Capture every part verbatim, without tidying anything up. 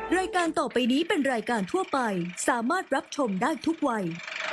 รายการต่อไปนี้เป็นรายการทั่วไปสามารถรับชมได้ทุกวัย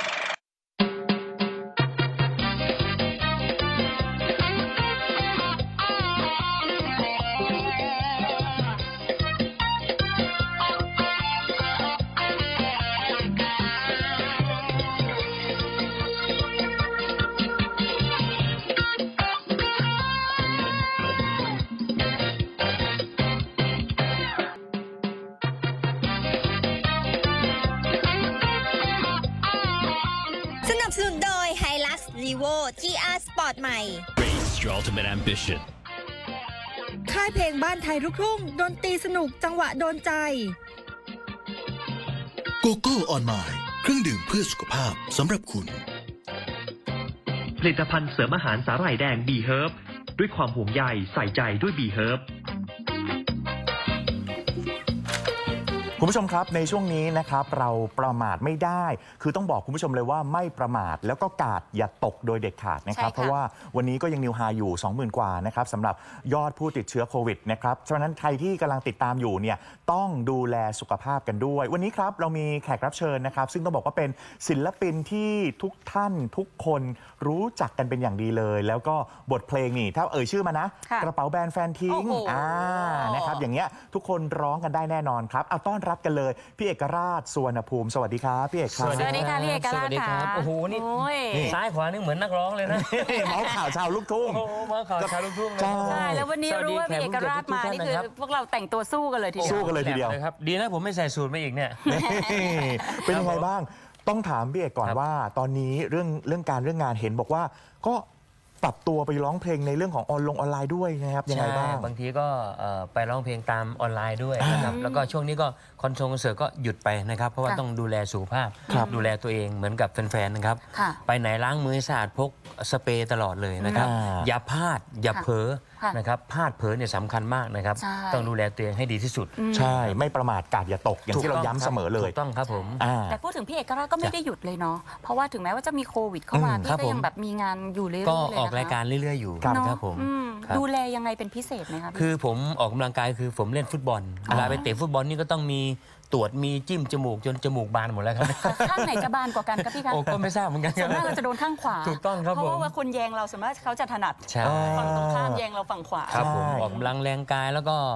สนับสนุนโดย Hilux Revo จี อาร์ Sport ใหม่ Race your ultimate ambition ค่ายเพลงบ้านไทยลูกทุ่งดนตรีสนุกจังหวะโดนใจโกโก้ออนไมล์เครื่องดื่มเพื่อสุขภาพสำหรับคุณผลิตภัณฑ์เสริมอาหารสาหร่ายแดงบีเฮิร์บด้วยความห่วงใยใส่ใจด้วยบีเฮิร์บคุณผู้ชมครับในช่วงนี้นะครับเราประมาทไม่ได้คือต้องบอกคุณผู้ชมเลยว่าไม่ประมาทแล้วก็กาดอย่าตกโดยเด็ดขาดนะครับเพราะว่าวันนี้ก็ยังนิวไฮอยู่ สองหมื่น กว่านะครับสำหรับยอดผู้ติดเชื้อโควิดนะครับฉะนั้นใครที่กำลังติดตามอยู่เนี่ยต้องดูแลสุขภาพกันด้วยวันนี้ครับเรามีแขกรับเชิญนะครับซึ่งต้องบอกว่าเป็นศิลปินที่ทุกท่านทุกคนรู้จักกันเป็นอย่างดีเลยแล้วก็บทเพลงนี่ถ้าเอ่ยชื่อมานะกระเป๋าแบรนด์แฟนทิ้งอ่านะครับอย่างเงี้ยทุกคนร้องกันได้แน่นอนครับเอาต้อนรับกันเลยพี่เอกราชสุวรรณภูมิสวัสดีครับพี่เอกครับสวัสดีค่ะพี่เอกราชค่ะโอ้โหนี่ซ้ายขวานี่เหมือนนักร้องเลยนะเมาส์ข่าวชาวลูกทุ่งโอ้โหเมาส์ข่าวชาวลูกทุ่งใช่แล้ววันนี้รู้ว่าพี่เอกราชมานี่คือพวกเราแต่งตัวสู้กันเลยทีเดียวสู้กันเลยทีเดียวครับดีนะผมไม่ใส่สูทมาอีกเนี่ยเป็นยังไงบ้างต้องถามพี่เอกก่อนว่าตอนนี้เรื่องเรื่องการเรื่องงานเห็นบอกว่าก็ปรับตัวไปร้องเพลงในเรื่องของออนลงออนไลน์ด้วยนะครับยังไงบ้างบางทีก็ไปร้องเพลงตามออนไลน์ด้วยนะครับแล้วก็ช่วงนี้ก็คอนเสิร์ตคอนเสิร์ตก็หยุดไปนะครับเพราะว่าต้องดูแลสุขภาพดูแลตัวเองเหมือนกับแฟนๆนะครับไปไหนล้างมือสะอาดพกสเปรย์ตลอดเลยนะครับอย่าพลาดอย่าเผลอนะครับพลาดเผลอเนี่ยสำคัญมากนะครับต้องดูแลตัวเองให้ดีที่สุดใช่ไม่ประมาทกาดอย่าตกอย่างที่เราย้ำเสมอเลยถูกต้องครับผมแต่พูดถึงพี่เอกราชก็ไม่ได้หยุดเลยเนาะเพราะว่าถึงแม้ว่าจะมีโควิดเข้ามาพี่ก็ยังแบบมีงานอยู่เรื่อยๆก็ออกรายการเรื่อยๆอยู่ครับผมดูแลยังไงเป็นพิเศษไหมครับคือผมออกกำลังกายคือผมเล่นฟุตบอลเวลาไปเตะฟุตบอลนี่ก็ต้องมีตรวจมีจิ้มจมูกจนจมูกบานหมดแล้วครับข้างไหนจะบานกว่ากันครับพี่คะโอ้ก็ไม่ทราบเหมือนกันส่วนมากเราจะโดนข้างขวาถูกต้องครับผมเพราะว่าคนแยงเราส่วนมากเขาจะถนัดฝั่งตรงข้ามแยงเราฝั่งขวาครับผมออกกำลังแรงกายแล้วก็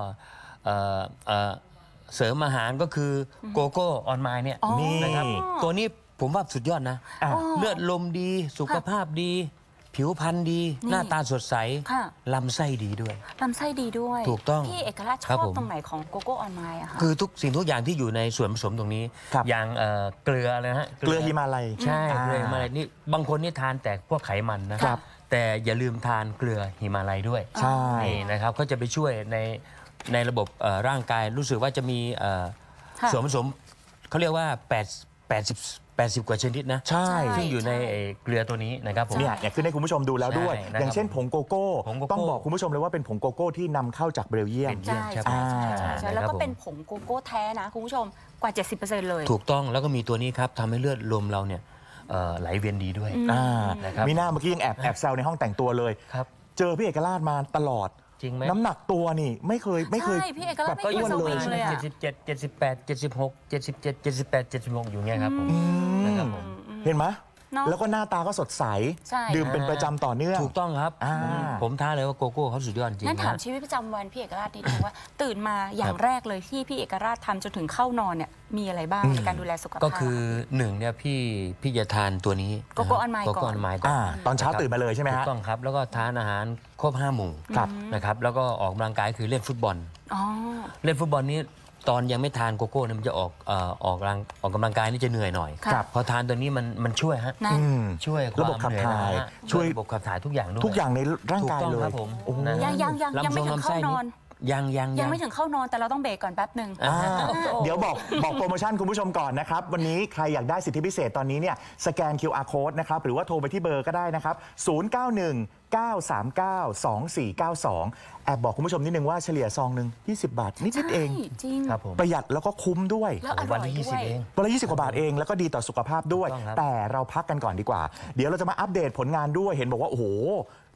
เสริมอาหารก็คือโกโก้ออนไมล์เนี่ยนี่นะครับตัวนี้ผมว่าสุดยอดนะเลือดลมดีสุขภาพดีผิวพรรณดีหน้าตาสดใสลำไส้ดีด้วยลำไส้ดีด้วยถูกต้องพี่เอกราชชอบตรงไหนของโกโก้ออนไมล์อะคะคือทุกสิ่งทุกอย่างที่อยู่ในส่วนผสมตรงนี้อย่างเกลืออะไรนะฮะเกลือฮิมาลัยใช่เกลือฮิมาลัยนี่บางคนนี่ทานแต่พวกไขมันนะครับแต่อย่าลืมทานเกลือฮิมาลัยด้วยใช่นะครับก็จะไปช่วยในในระบบร่างกายรู้สึกว่าจะมีส่วนผสมเขาเรียกว่าแปด แปดสิบ แปดสิบกว่าชนิดนะใช่ซึ่งอยู่ในเกลือตัวนี้นะครับผมเนี่ยอยากขึ้นให้คุณผู้ชมดูแล้วด้วยอย่างเช่นผงโกโก้ต้องบอกคุณผู้ชมเลยว่าเป็นผงโกโก้ที่นำเข้าจากเบลเยียมใช่ใช่ใช่แล้วก็เป็นผงโกโก้แท้นะคุณผู้ชมกว่า เจ็ดสิบเปอร์เซ็นต์ เลยถูกต้องแล้วก็มีตัวนี้ครับทำให้เลือดลมเราเนี่ยไหลเวียนดีด้วยนะครับมีหน้าเมื่อกี้ยังแอบแอบแซวในห้องแต่งตัวเลยเจอพี่เอกราชมาตลอดจริงไหมน้ำหนักตัวนี่ไม่เคยไม่เคยแบบก็อ้วนเลยเจ็ดสิบเจ็ด เจ็ดสิบแปด เจ็ดสิบหก เจ็ดสิบเจ็ด เจ็ดสิบแปด เจ็ดสิบหกอยู่เงี้ยครับผมนะครับผมเห็นไหมแล้วก็หน้าตาก็สดใสดื่มเป็นประจำต่อเนื่องถูกต้องครับผมท้าเลยว่าโกโก้เขาสุดยอดจริงงั้นถามชีวิตประจำวันพี่เอกราชนิดนึงว่าตื่นมาอย่างแรกเลยที่พี่เอกราชทำจนถึงเข้านอนเนี่ยมีอะไรบ้างในการดูแลสุขภาพก็คือหนึ่งเนี่ยพี่พี่จะทานตัวนี้โกโก้ออนไมล์ก่อนโกโก้ออนไมล์ก่อนตอนเช้าตื่นมาเลยใช่ไหมฮะถูกต้องครับแล้วก็ทานอาหารครบห้าหมู่นะครับแล้วก็ออกกำลังกายคือเล่นฟุตบอลเล่นฟุตบอลนี้ตอนยังไม่ทานโกโก้เนี่ยมันจะออกออกกำลังออกกำลังกายนี่จะเหนื่อยหน่อยพอทานตัวนี้มันมันช่วยฮะช่วยระบบขับถ่ายช่วยระบบขับถ่ายทุกอย่างด้วยทุกอย่างในร่างกายเลยยังยังยังยังไม่ถึงเข้านอนยังยังยังไม่ถึงเข้านอนแต่เราต้องเบรกก่อนแป๊บหนึ่งเดี๋ยวบอกบอกโปรโมชั่นคุณผู้ชมก่อนนะครับวันนี้ใครอยากได้สิทธิพิเศษตอนนี้เนี่ยสแกน คิว อาร์ Code นะครับหรือว่าโทรไปที่เบอร์ก็ได้นะครับศูนย์ เก้า หนึ่ง เก้า สาม เก้า สอง สี่ เก้า สองแอบบอกคุณผู้ชมนิดนึงว่าเฉลี่ยซองหนึ่งยี่สิบบาทนิดๆเองประหยัดแล้วก็คุ้มด้วยวันละยี่สิบเองวันละยี่สิบกว่าบาทเองแล้วก็ดีต่อสุขภาพด้วยแต่เราพักกันก่อนดีกว่าเดี๋ยวเราจะมาอัปเดตผลงานด้วยเห็นบอกว่าโอ้โห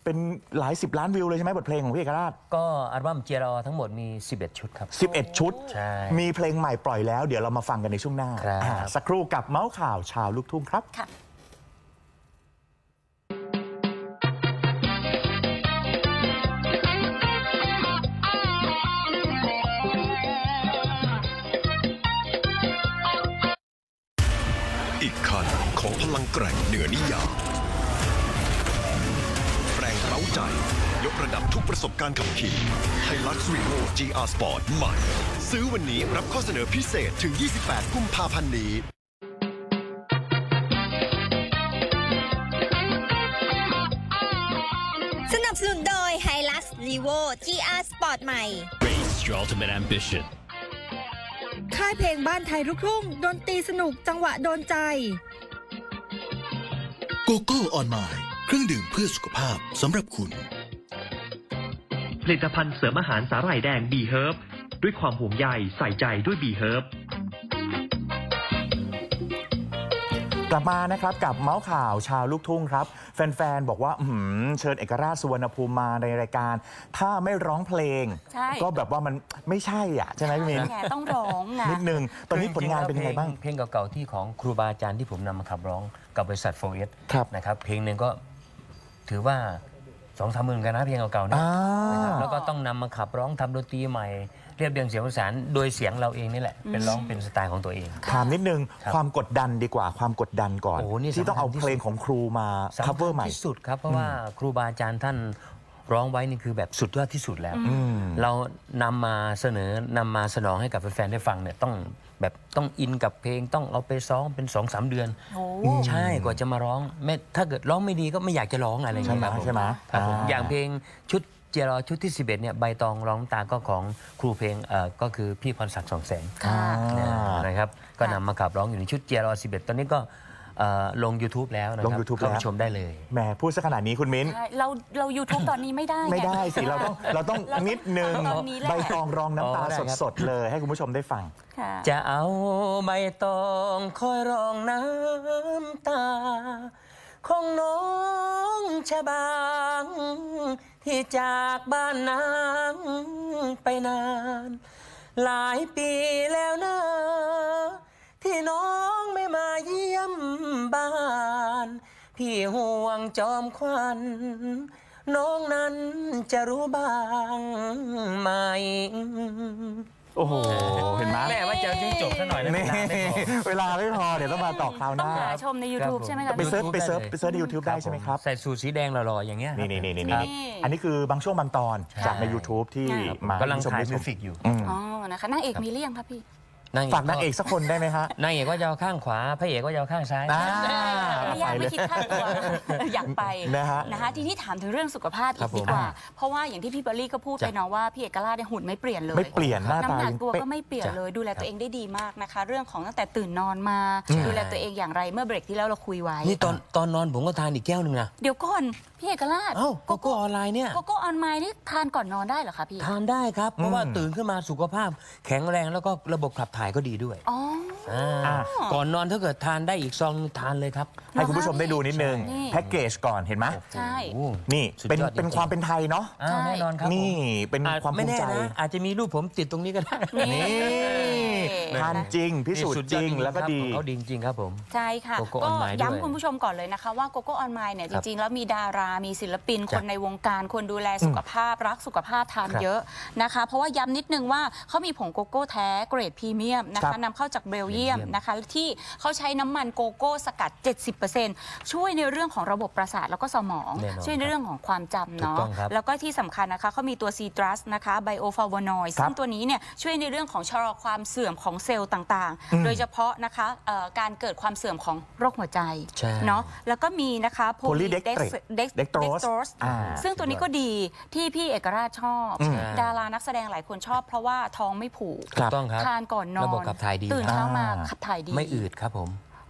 เป็นหลายสิบล้านวิวเลยใช่ไหมบทเพลงของพี่เอกราชก็อัลบั้มเจรอทั้งหมดมีสิบเอ็ดชุดครับสิบเอ็ด ชุดใช่มีเพลงใหม่ปล่อยแล้ว เดี๋ยวเรามาฟังกันในช่วงหน้าครับอ่าสักครู่กับเมาส์ข่าวชาวลูกทุ่งครับค่ะอีกคันของพลังแกร่งเหนือนิยามแรงเร้าใจ ยกระดับทุกประสบการณ์ขับขี่ไฮลักซ์รีโว จี อาร์ Sport ใหม่ ซื้อวันนี้รับข้อเสนอพิเศษถึง ยี่สิบแปด กุมภาพันธ์นี้สนับสนุนโดย Hilux Revo จี อาร์ Sport ใหม่ Raise your ultimate ambition. ค่ายเพลงบ้านไทยลูกทุ่งดนตรีสนุกจังหวะโดนใจโกโก้ออนไมล์เครื่องดื่มเพื่อสุขภาพสำหรับคุณผลิตภัณฑ์เสริมอาหารสาหร่ายแดงบีเฮิร์บด้วยความห่วงใยใส่ใจด้วยบีเฮิร์บกลับมานะครับกับเมาส์ข่าวชาวลูกทุ่งครับแฟนๆบอกว่าอื้อหือเชิญเอกราชสุวรรณภูมิมาในรายการ ถ้าไม่ร้องเพลงใช่ก็แบบว่ามันไม่ใช่อ่ะใช่ไหมพี่มินแกต้องร้องนะนิดนึงตอนนี้ผลงานเป็นยังไงบ้างเพลงเก่าๆที่ของครูบาอาจารย์ที่ผมนำมาขับร้องกับบริษัทโฟร์เอสครับนะครับเพลงหนึ่งก็ถือว่าสองสามหมื่นกันนะเพลงเก่าๆเนี่ยอ่านะครับแล้วก็ต้องนำมาขับร้องทำดนตรีใหม่เรียบเรียงเสียงประสานโดยเสียงเราเองนี่แหละเป็นร้องเป็นสไตล์ของตัวเองถามนิดนึงครับความกดดันดีกว่าความกดดันก่อนโอ้โหนี่ที่ต้องเอาสำคัญที่เพลงของครูมาสำคัญ cover ใหม่ที่สุดครับเพราะว่าครูบาอาจารย์ท่านร้องไว้นี่คือแบบสุดยอดที่สุดแล้วอืมเรานำมาเสนอนำมาสนองให้กับแฟนๆได้ฟังเนี่ยต้องแบบต้องอินกับเพลงต้องเอาไปซ้อมเป็นสองสามเดือนโอ้ใช่กว่าจะมาร้องไม่ถ้าเกิดร้องไม่ดีก็ไม่อยากจะร้องอะไรอย่างเงี้ยใช่ไหมครับผใช่ไหมครับผมอ่าอย่างเพลงชุดเจรอชุดที่สิบเอ็ดเนี่ยใบตองร้องน้ำตาก็ของครูเพลงเอ่อก็คือพี่พรศักดิ์สองแสงค่ะอ่านะครับก็นำมาขับร้องอยู่ในชุดเจรอสิบเอ็ดตอนนี้ก็เอ่อลง YouTube แล้วนะคลรังบ YouTube เข้าไปแล้วชมได้เลยแหมพูดซะขนาดนี้คุณมิ้นใช่เราเรา YouTube ตอนนี้ไม่ได้งไม่ได้สิเราต้องเราต้องเราต้องนิดนึงฟังตอนนี้แหละใบตองรองน้ำตาอ๋อได้ครับสดๆเลยให้คุณผู้ชมได้ฟังค่ะจะเอาใบตองคอยรองน้ำตา ของน้องชะบางที่จากบ้านนางไปนาน หลายปีแล้วนะที่น้องไม่มาเยี่ยมบ้าน พี่ห่วงจอมควัน น้องนั้นจะรู้บ้างไหมโอ้โหเห็นไหมแม่ว่าจะให้จบซะหน่อยนะนี่ เวลาไม่พอเดี๋ยวต้องมาต่อคราวหต้องน้าหาชมใน YouTube ใช่ไหมคะไปเซิร์ช YouTube ไปเซิร์ชได้เลยไปเซิร์ชใน YouTube ได้ใช่ไหมครับใส่สูทสีแดงหล่อๆอย่างเงี้ยนี่นี่นี่นี่ครับนี่อันนี้คือบางช่วงบางตอนจากใน YouTube ที่ครับมากำลังให้ถ่ายคุณมิผู้ชวสิกอยู่อืมอ๋อนะคะนางเอกมีเรี่ยงครับพี่ฝากนางเอกสักคนได้ไหมฮะนางเอกก็จะเอาข้างขวาพระเอกก็จะเอาข้างซ้ายอ่าไม่ยากไปเลไม่ยคิดค่าตัว อยากไปนะฮะนะคะทีนี้ถามถึงเรื่องสุขภาพครัอีบกผมดีกว่า เพราะว่าอย่างที่พี่เบอร์รี่ก็พูดไปจ้ะเนาะว่าพี่เอกราชเนี่ยหุ่นไม่เปลี่ยนเลยไม่เปลี่ยนหน้าตาน้ำหนักยังตัวเป๊ะก็ไม่เปลี่ยนจ้ะเลยดูแลตัวเองได้ดีมากนะคะ เรื่องของตั้งแต่ตื่นนอนมา ดูแลตัวเองอย่างไรเมื่อเบรกที่แล้วเราคุยไว้นี่ตอนตอนนอนผมก็ทานอีกแก้วหนึ่งนะเดี๋ยวก่อนพี่เอกราชเอ้าโกโก้ออนไลน์เนี่ยโกโก้ออนไลน์นี่ทานก่อนนอนได้เหรอคะพี่ทานได้ครับ เพราะว่าอืมตื่นขึ้นมาสุขภาพ แข็งแรงแล้วก็ระบบขับถ่ายก็ดีด้วยอ๋อาก่อนนอนถ้าเกิดทานได้อีกซองทานเลยครับให้คุณผู้ชมได้ดูนิดนึงนี่แพ็กเกจก่อนเห็นไหมใช่โอ้นี่สุดเป็นยอดเป็นจริงๆความเป็นไทยเนาะอ่าแน่นอนครับนี่ผมเป็นอาจความภูไม่มิแน่ใจนะอาจจะมีรูปผมติดตรงนี้ก็ได้นี่ทานจริงพิสูจน์จริงแล้วก็ดีของเขาดีจริงๆครับผมใช่ค่ะโกโก้ก็ออนไลน์ด้วยย้ำคุณผู้ชมก่อนเลยนะคะว่าโกโก้ออนไลน์เนี่ยจครับริงๆ แล้วมีดารา มีศิลปิน คจ้ะนในวงการ คนดูแลสุขภาพ รักสุขภาพทานครับเยอะนะคะ เพราะว่าย้ำนิดนึงว่าเขามีผงโกโก้แท้เกรดพรีเมียมนะครัคะบนำเข้าจากเบลเยียมเบลเยียมนะคะ ที่เขาใช้น้ำมันโกโก้สกัด เจ็ดสิบเปอร์เซ็นต์ ช่วยในเรื่องของระบบประสาทแล้วก็สมองแน่นอนช่วยในเรื่องของความจำถูกเนาะต้องครับแล้วก็ที่สำคัญนะคะเขามีตัวซีตรัสนะคะไบโอฟลาวโนอยด์ครับซึ่งตัวนี้เนี่ยช่วยในเรื่องของชะลอความเสื่อมของเซลล์ต่างอืมๆ โดยเฉพาะนะคะเอ่อการเกิดความเสื่อมของโรคหัวใจใช่เนาะแล้วก็มีนะคะ Polydextrose Polydextrose อ่าซึ่งตัวนี้ก็ดีที่พี่เอกราชชอบอืมดารานักแสดงหลายคนชอบ เพราะว่าท้องไม่ผูกครับถูกต้องครับทานก่อนนอนระบบขับถ่ายดีตื่นครับเช้ามาอ่าขับถ่ายดีไม่อืดครับผม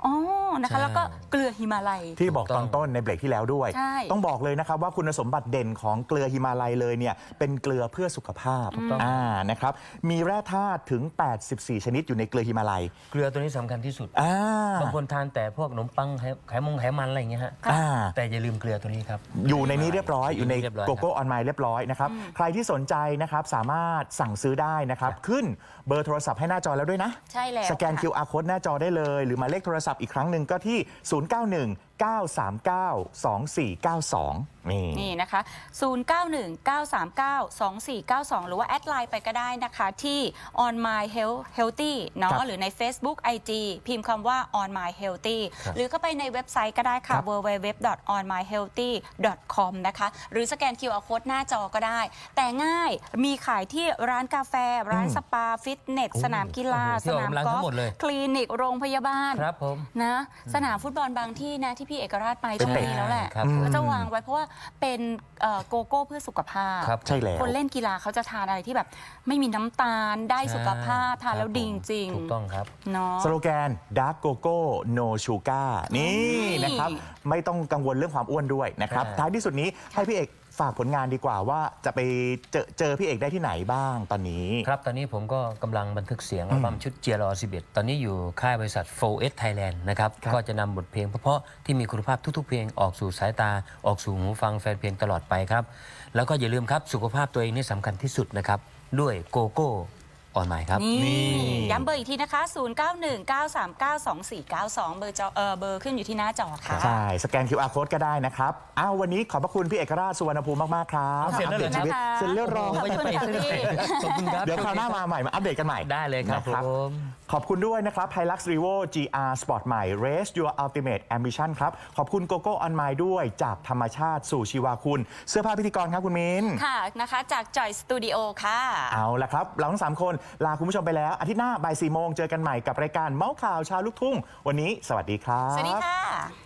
อ๋อนะคะแล้วก็เกลือหิมาลัยที่บอกตอนต้นในเบรกที่แล้วด้วยใช่ต้องบอกเลยนะครับว่าคุณสมบัติเด่นของเกลือหิมาลัยเลยเนี่ยเป็นเกลือเพื่อสุขภาพอ่านะครับมีแร่ธาตุถึง แปดสิบสี่ ชนิดอยู่ในเกลือหิมาลัยเกลือตัวนี้สำคัญที่สุดอ่าบางคนทานแต่พวกขนมปังไขไขมงไขมันอะไรอย่างเงี้ยฮะอ่าแต่อย่าลืมเกลือตัวนี้ครับอยู่ในนี้เรียบร้อยอยู่ในเรียบร้อยโกโก้ออนไลน์เรียบร้อยนะครับใครที่สนใจนะครับสามารถสั่งซื้อได้นะครับขึ้นเบอร์โทรศัพท์ให้หน้าจอแล้วด้วยนะใช่แล้วสแกนค่ะคิว อาร์ Code หน้าจอได้เลย หรือหมายเลขโทรศัพท์อีกครั้งหนึ่งก็ที่ ศูนย์ เก้า หนึ่ง เก้า สาม เก้า สอง สี่ เก้า สอง นี่นี่นะคะ ศูนย์ เก้า หนึ่ง เก้า สาม เก้า สอง สี่ เก้า สอง หรือว่าแอดไลน์ไปก็ได้นะคะที่ on my health healthy เนาะหรือใน Facebook ไอ จี พิมพ์คำว่า on my healthy หรือก็ไปในเว็บไซต์ก็ได้ค่ะ ดับเบิลยู ดับเบิลยู ดับเบิลยู ดอท ออน มาย เฮลตี้ ดอท คอม นะคะ หรือสแกน คิว อาร์ Code หน้าจอก็ได้ แต่ง่ายมีขายที่ร้านกาแฟ ร้านสปา ฟิตเนส สนามกีฬาโอ้โหสนามที่ออกกำลังกอทั้ล์ฟงหมดเลยคลินิกโรงพยาบาลครับผมนะสนามฟุตบอลบางที่นะที่พี่เอกราชไปช่วงนี้แล้วแหละครับก็จะวางไว้เพราะว่าเป็นเอ่อโกโก้เพื่อสุขภาพครับใช่แล้วคนเล่นกีฬาเขาจะทานอะไรที่แบบ ไม่มีน้ำตาลได้สุขภาพทานแล้วดีจริงถูกต้องครับเนาะสโลแกน Dark Coco No Sugar นี่นะครับไม่ต้องกังวลเรื่องความอ้วนด้วยนะครับใช่ท้ายที่สุดนี้ให้พี่เอกฝากผลงานดีกว่าว่าจะไปเจอเจอพี่เอกได้ที่ไหนบ้างตอนนี้ครับ ตอนนี้ผมก็กำลังบันทึกเสียงอัลบั้มชุดเจียร์รอสิบเอ็ดตอนนี้อยู่ค่ายบริษัท โฟร์ เอส Thailand นะครับครับก็จะนำบทเพลงเพราะๆที่มีคุณภาพทุกๆ เพลงออกสู่สายตาออกสู่หูฟังแฟนเพลงตลอดไปครับ แล้วก็อย่าลืมครับสุขภาพตัวเองนี่สำคัญที่สุดนะครับ ด้วยโกโก้ออนไลน์ครับนี่ย้ำเบอร์อีกทีนะคะ ศูนย์ เก้า หนึ่ง เก้า สาม เก้า สอง สี่ เก้า สอง เบอร์จอเออเบอร์ขึ้นอยู่ที่หน้าจอค่ะใช่ สแกน คิว อาร์ Code ก็ได้นะครับอ้าววันนี้ขอบพระคุณพี่เอกราชสุวรรณภูมิมาก ๆ ครับเสร็จแล้วเหรออัปดตชีวิตนะคะเสร็จเรียบร้อยขอบคุณค่ะพี่ขอบคุณครับเดี๋ยวคราวหน้ามาใหม่มาอัปเดตกันใหม่ได้เลยครับนะผมขอบคุณด้วยนะครับ Hilux Revo จี อาร์ Sport ใหม่ Race Your Ultimate Ambition ครับ ขอบคุณ Coco On My ด้วยจากธรรมชาติสู่ชีวาคุณ เสื้อผ้าพิธีกรครับคุณมิ้นค่ะนะคะจากจอยสตูดิโอค่ะเอาละครับ เราทั้งสามคนลาคุณผู้ชมไปแล้ว อาทิตย์หน้าบ่ายสี่โมงเจอกันใหม่กับรายการเมาส์ข่าวชาวลูกทุ่ง วันนี้สวัสดีครับสวัสดีค่ะ